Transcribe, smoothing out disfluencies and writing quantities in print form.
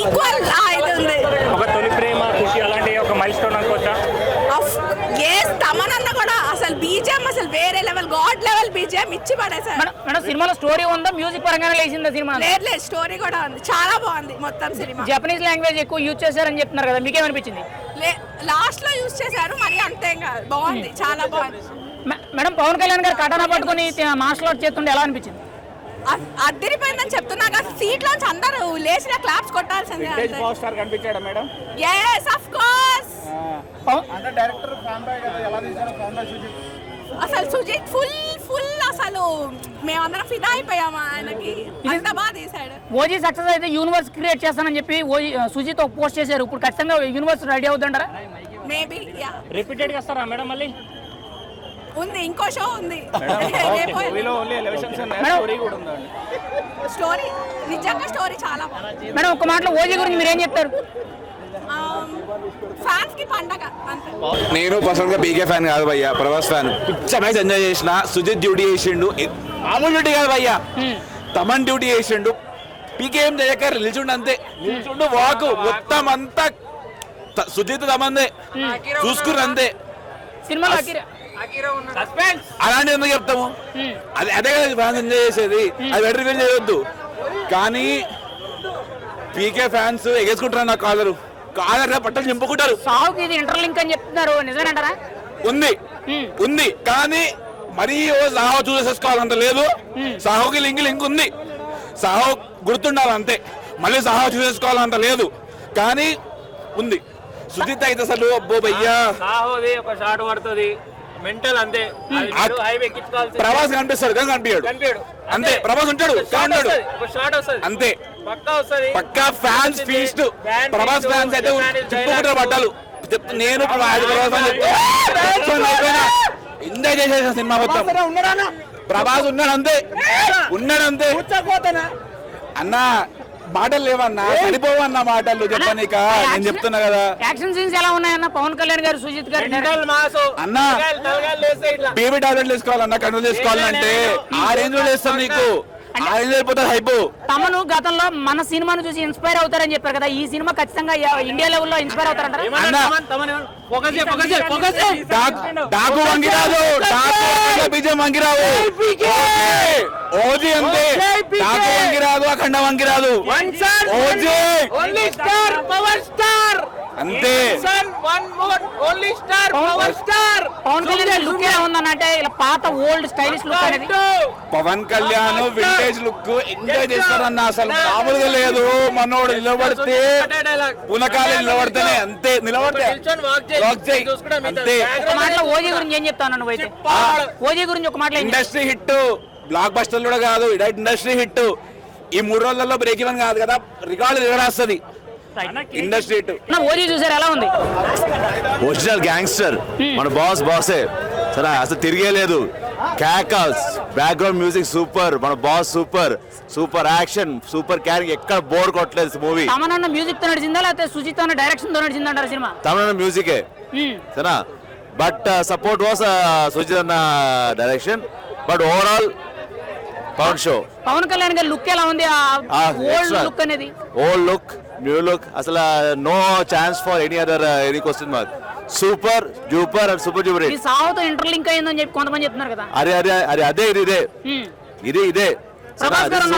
Equal ఇది ఉంది. ఒక తొలి ప్రేమ ఖుషి అలాంటి ఒక మైల్ స్టోన్ అనుకోవచ్చా? తమనన్న కూడా అసలు బీజేఎం అసలు వేరే లెవెల్, గాడ్ లెవెల్ బీజేఎం ఇచ్చి పడేసారు. మేడం సినిమాలో స్టోరీ ఉందా, మ్యూజిక్ పరంగానే లేచిందా సినిమా? లేదు స్టోరీ కూడా ఉంది, చాలా బాగుంది మొత్తం సినిమా. జపనీస్ లాంగ్వేజ్ ఎక్కువ యూజ్ చేశారని చెప్తున్నారు కదా, మీకేమనిపించింది? లాస్ట్ లో యూజ్ చేశారు, మరి అంతేం కాదు, బాగుంది, చాలా బాగుంది. మేడం పవన్ కళ్యాణ్ గారు కటానా పట్టుకుని మార్షల్ ఆర్ట్ చేస్తుండే ఎలా అనిపించింది? అద్దరిపోయిందని చెప్తున్నా కదా, సీట్ లోంచి అందరూ లేచిన క్లాప్స్ కొట్టాల్సిందే. పవర్ స్టార్ కనిపించాడా మేడం? yes of course. అంటే డైరెక్టర్ ఫ్యాన్ బాయ్ కదా, ఎలా తీశారో ఫ్యాన్ బాయ్ సుజిత్. అసలు సుజిత్ ఫుల్ అసలు మేమందరం ఫిదా అయిపోయాము ఆయనకి, అంత బాగా తీసాడు. ఓజీ సక్సెస్ అయితే యూనివర్స్ క్రియేట్ చేస్తానని చెప్పి సుజిత్ ఒక పోస్ట్ చేశారు. ఇప్పుడు ఖచ్చితంగా యూనివర్స్ రెడీ అవుతుంటారా? మేబీ రిపీటెడ్ గా వస్తారా మేడం? మళ్ళీ ఉంది, ఇంకో షో ఉంది. స్టోరీ నిజంగా స్టోరీ చాలా బాగుంది మేడం. ఒక మాటలో ఓజీ గురించి మీరు ఏం చెప్తారు? ఫ్యాన్స్ కి పండగ అంతే. నేను పర్సనల్ గా పీకే ఫ్యాన్ కాదు భయ్యా, ప్రభాస్ ఫ్యాన్. పిచ్చ మ్యాచ్ ఎంజాయ్ చేసిన. సుజిత్ డ్యూటీ చేసిండు, మామూలు డ్యూటీ కాదు భయ్యా, తమన్ డ్యూటీ చేసిండు. పీకే ఏం చేయక నిల్చుండు, అంతే నిల్చుండు, వాకు మొత్తం అంతా సుజిత్ తమందే చూసుకుర్రు అంతే. సినిమాలో అలాంటి ఎందుకు చెప్తాము? అదే కదా ఫ్యాన్స్ ఎంజాయ్ చేసేది, అది బెటర్ రివీల్ చేయొద్దు. కానీ పీకే ఫ్యాన్స్ ఎగేసుకుంటారు నా కాలరు పట్టలు చింపుకుంటారు. సావుకి ఇది ఇంటర్లింక్ అని చెప్తున్నారు, నిజమేనంటారా? ఉంది కానీ మరీ సాహో చూసేసుకోవాలంత లేదు. సాహోకి లింక్ ఉంది, సాహో గుర్తుండాలి అంతే. మళ్ళీ సాహో చూసేసుకోవాలంత లేదు, కానీ ఉంది. సుజిత్ అయితే అసలు అబ్బో భయ్యా, సాహోది ఒక షాట్ పడుతుంది మెంటల్ అంతే. ప్రభాస్ కనిపిస్తాడు కానీ కనిపించాడు అంతే. ప్రభాస్ ఉంటాడు అంతే, పక్కా ఫ్యాన్స్ ఫీస్ట్. ప్రభాస్ ఫ్యాన్స్ అయితే చెప్పుకుంటారు బట్టలు. నేను ఎంజాయ్ చేసేసిన సినిమా మొత్తం. ప్రభాస్ ఉన్నాడు అంతే అన్నా. మాటలు లేవన్నా, సరిపోవన్నా మాటలు చెప్పనీక. నేను చెప్తున్నా కదా, యాక్షన్ సీన్స్ ఎలా ఉన్నాయన్న? పవన్ కళ్యాణ్ గారు, సుజిత్ గారు అన్నా బేబీ టాబ్లెట్లు వేసుకోవాలన్నా, కంట్రోల్ చేసుకోవాలంటే ఆ రేంజ్ లో వేస్తాం. నీకు ఆ రేంజ్ అయిపోతుంది హైప్. తమను గతంలో మన సినిమాను చూసి ఇన్స్పైర్ అవుతారని చెప్పారు కదా, ఈ సినిమా ఖచ్చితంగా ఇండియా లెవెల్లో ఇన్స్పైర్ అవుతారంటారా? డాకు వంగిరాదు, బీజం వంగిరావు, ఓజీ అంతే. డాకు వంగిరాదు, అఖండ వంగిరాదు, ఓజీ అంతే. పవన్ కళ్యాణ్ లుక్ ఎలా ఉందనంటే ఇలా పాత ఓల్డ్ స్టైలిష్ లుక్ అనేది. Pawan Kalyan vintage look enjoy చేస్తారన్న, అసలు మామూలుగా లేదు. మనోడు నిలబడితే పునకాలు నిలబడితేనే అంతే, నిలబడితే అంతే. మాటలో ఓజీ గురించి ఏం చెప్తాను నువ్వైతే? ఓజీ గురించి ఒక మాటలో ఇండస్ట్రీ హిట్, బ్లాక్ బస్టర్ కూడా కాదు, ఇండస్ట్రీ హిట్. ఈ 3 రోజులలో బ్రేక్ ఈవెన్ కాదు కదా, రికార్డు నిలబడేస్తుంది ఇండస్ట్రీ హిట్. ఓజీ చూసారు, ఎలా ఉంది? ఒరిజినల్ గ్యాంగ్స్టర్, మన బాసే సరే, అసలు తిరిగేలేదు. క్యాకల్స్, బ్యాక్గ్రౌండ్ మ్యూజిక్ సూపర్, మన boss super action, super carrying, ఎక్కడ బోర్ కొట్టలేదు మూవీ. తమనన్న మ్యూజిక్ తో నడిచిందా లేకపోతే సుజిత్ అన్న డైరెక్షన్ తో నడిచిందా అంటారు సినిమా? తమనన్న మ్యూజికే సరేనా, బట్ సపోర్ట్ వాస్ సుజిత్ అన్న direction. But overall Pawan show. Pawan Kalyan గారి లుక్ ఎలా ఉంది? ఓల్డ్ లుక్ అనేది, ఓల్డ్ లుక్, న్యూ లుక్, అసలు no chance for any other any question mark. Super duper and super duper. ఈ సావుతో ఇంటర్లింక్ అయిందని చెప్పి కొంతమంది చెప్తున్నారు కదా. అదే ఇదే.